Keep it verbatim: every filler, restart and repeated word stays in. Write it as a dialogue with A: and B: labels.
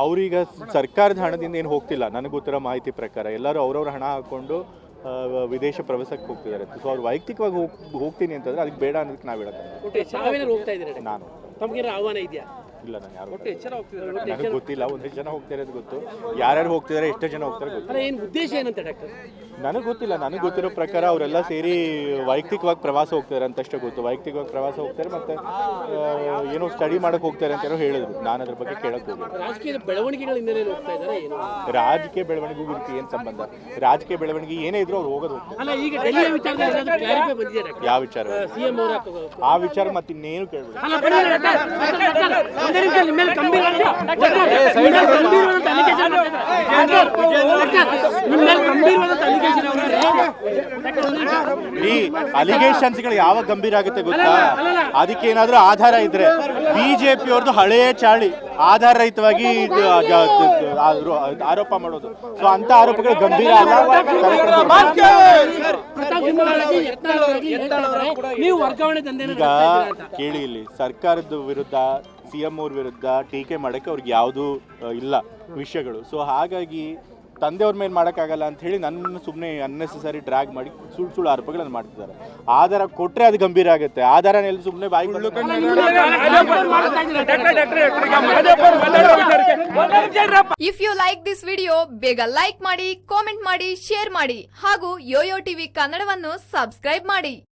A: ಅವ್ರೀಗ ಸರ್ಕಾರದ ಹಣದಿಂದ ಏನು ಹೋಗ್ತಿಲ್ಲ, ನನಗೆ ಗೊತ್ತಿರೋ ಮಾಹಿತಿ ಪ್ರಕಾರ ಎಲ್ಲರೂ ಅವ್ರವ್ರ ಹಣ ಹಾಕ್ಕೊಂಡು ವಿದೇಶ ಪ್ರವಾಸಕ್ಕೆ ಹೋಗ್ತಿದ್ದಾರೆ. ಸೊ ಅವ್ರು ವೈಯಕ್ತಿಕವಾಗಿ ಹೋಗ್ ಹೋಗ್ತೀನಿ ಅಂತಂದ್ರೆ ಅದಕ್ಕೆ ಬೇಡ ಅನ್ನೋದಕ್ಕೆ ನಾವು ಹೇಳೋದು. ನಾನು
B: ತಮಗೆ ಆಹ್ವಾನ ಇದೆಯಾ?
A: ಇಲ್ಲ, ನಾನು ಯಾರು ನನಗೆ ಗೊತ್ತಿಲ್ಲ. ಒಂದಷ್ಟು ಜನ ಹೋಗ್ತಾ ಇರೋದು ಗೊತ್ತು, ಯಾರ್ಯಾರು ಹೋಗ್ತಿದ್ದಾರೆ, ಎಷ್ಟು ಜನ ಹೋಗ್ತಾರೆ ಗೊತ್ತಿಲ್ಲ.
B: ಏನು ಉದ್ದೇಶ ಏನಂತ ಡಾಕ್ಟರ್?
A: ನನಗೆ ಗೊತ್ತಿಲ್ಲ. ನನಗೆ ಗೊತ್ತಿರೋ ಪ್ರಕಾರ ಅವರೆಲ್ಲ ಸೇರಿ ವೈಯಕ್ತಿಕವಾಗಿ ಪ್ರವಾಸ ಹೋಗ್ತಾರೆ ಅಂತಷ್ಟೇ ಗೊತ್ತು. ವೈಯಕ್ತಿಕವಾಗಿ ಪ್ರವಾಸ ಹೋಗ್ತಾರೆ ಮತ್ತೆ ಏನೋ ಸ್ಟಡಿ ಮಾಡಕ್ಕೆ ಹೋಗ್ತಾರೆ ಅಂತ ಏನೋ ಹೇಳಿದ್ರು. ನಾನು ಅದ್ರ ಬಗ್ಗೆ ಕೇಳಕ್ಕೆ ಹೋಗಿಲ್ಲ.
B: ರಾಜಕೀಯ ಬೆಳವಣಿಗೆಗಳ ಹಿನ್ನೆಲೆಯಲ್ಲಿ ಹೋಗ್ತಾ ಇದ್ದಾರೆ ಏನು?
A: ರಾಜಕೀಯ ಬೆಳವಣಿಗೆಗೂ ಇದಕ್ಕೆ ಏನು ಸಂಬಂಧ? ರಾಜಕೀಯ ಬೆಳವಣಿಗೆ ಏನೇ ಇದ್ರು ಅವ್ರು ಹೋಗೋದು ಹೋಗ್ತಾರೆ.
B: ಅಲ್ಲ, ಈಗ ಡೆಲ್ಲಿಯ ವಿಚಾರದಲ್ಲಿ ಕ್ಲಾರಿಫೈ ಬಂದಿದೆ ಡಾಕ್ಟರ್.
A: ಯಾವ ವಿಚಾರ?
B: ಸಿಎಂ ಅವರ
A: ಆ ವಿಚಾರ ಮತ್ತೆ ಇನ್ನೇನು ಕೇಳಬೇಡಿ. ಈ ಅಲಿಗೇಷನ್ಸ್ಗಳು ಯಾವಾಗ ಗಂಭೀರ ಆಗುತ್ತೆ ಗೊತ್ತಾ? ಅದಕ್ಕೆ ಏನಾದ್ರೂ ಆಧಾರ ಇದ್ರೆ, ಬಿಜೆಪಿ ಅವ್ರದ್ದು ಹಳೆಯ ಚಾಳಿ ಆಧಾರ ರಹಿತವಾಗಿ ಆರೋಪ ಮಾಡೋದು. ಸೊ ಅಂತ ಆರೋಪಗಳು ಗಂಭೀರ ಅಲ್ಲ. ಈಗ ಕೇಳಿ, ಇಲ್ಲಿ ಸರ್ಕಾರದ ವಿರುದ್ಧ, ಸಿಎಂ ಅವ್ರ ವಿರುದ್ಧ ಟೀಕೆ ಮಾಡಕ್ಕೆ ಅವ್ರಿಗೆ ಯಾವುದೂ ಇಲ್ಲ ವಿಷಯಗಳು. ಸೊ ಹಾಗಾಗಿ ತಂದೆಯವ್ರ ಮೇಲೆ ಮಾಡೋಕ್ಕಾಗಲ್ಲ ಅಂತ ಹೇಳಿ ನನ್ನ ಸುಮ್ಮನೆ ಅನ್ನೆಸೆಸರಿ ಡ್ರ್ಯಾಗ್ ಮಾಡಿ ಸುಳ್ಳು ಸುಳ್ಳು ಆರೋಪಗಳನ್ನು ಮಾಡ್ತಿದ್ದಾರೆ. ಆಧಾರ ಕೊಟ್ಟರೆ ಅದು ಗಂಭೀರ ಆಗುತ್ತೆ. ಆಧಾರನೆಲ್ಲ ಸುಮ್ಮನೆ ಬಾಯಿ.
C: If you like this video ಬೇಗ ಲೈಕ್ ಮಾಡಿ, ಕಾಮೆಂಟ್ ಮಾಡಿ, ಶೇರ್ ಮಾಡಿ ಹಾಗೂ ಯೋಯೋ ಟಿವಿ ಕನ್ನಡವನ್ನು ಸಬ್ಸ್ಕ್ರೈಬ್ ಮಾಡಿ.